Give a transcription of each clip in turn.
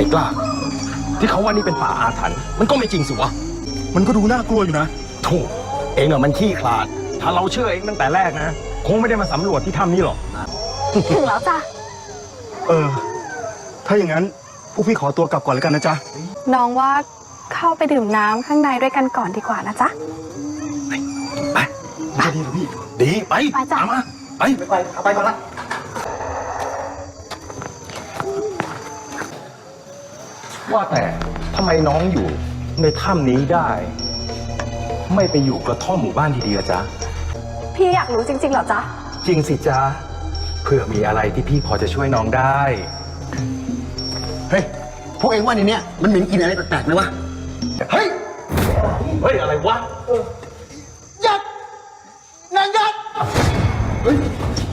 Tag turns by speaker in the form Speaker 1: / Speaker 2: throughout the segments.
Speaker 1: อ้กล้าที่เขาว่านี่เป็นป่าอาถรรพ์มันก็ไม่จริงสิวะ
Speaker 2: มันก็ดูน่ากลัวอยู่นะ
Speaker 1: ถูกเองอะมันขี้ขลาดถ้าเราเชื่อเองตั้งแต่แรกนะคงไม่ได้มาสำรวจที่ถ้ำนี้หรอก
Speaker 3: ถึงแล้วจ้ะ
Speaker 2: ถ้าอย่างนั้นพวกพี่ขอตัวกลับก่อนแล้วกันนะจ๊ะ
Speaker 3: น้องว่าเข้าไปดื่มน้ำข้างในด้วยกันก่อนดีกว่านะจ๊ะ
Speaker 1: ไป
Speaker 2: จะดีหรือพี่
Speaker 1: ดีไป
Speaker 3: จ้ะ
Speaker 1: มาไป
Speaker 2: เอาไปก่อนละ
Speaker 1: ว่าแต่ทำไมน้องอยู่ในถ้ำนี้ได้ ไม่ไปอยู่กระท่อมหมู่บ้านดีๆอะจ๊ะ
Speaker 3: พี่อยากรู้จริงๆเหรอจ๊ะ
Speaker 1: จริงสิจ๊ะเผื่อมีอะไรที่พี่พอจะช่วยน้องได้
Speaker 2: เฮ้ยพวกเองว่าในเนี้ยมันเหม็นกินอะไรแปลกๆไหมวะเฮ้ย
Speaker 1: อะไรวะ
Speaker 2: ยัดนางยัดเฮ้ย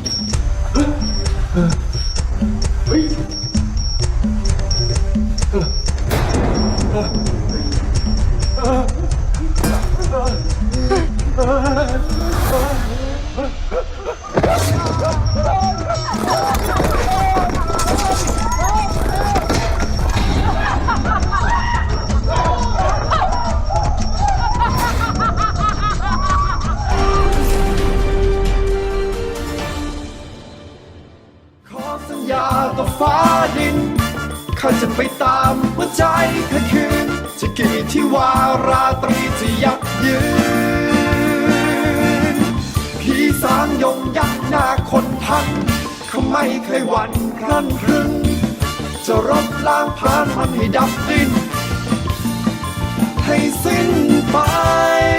Speaker 4: ต่อฟ้าดินข้าจะไปตามหัวใจเธอคืนจะกี่ที่ว่าราตรีจะยับยืนพี่สางยงยักษ์หน้าคนทันเขาไม่เคยหวั่นคลั่นครึงจะรบล้างผ่านมันให้ดับดิ้นให้สิ้นไป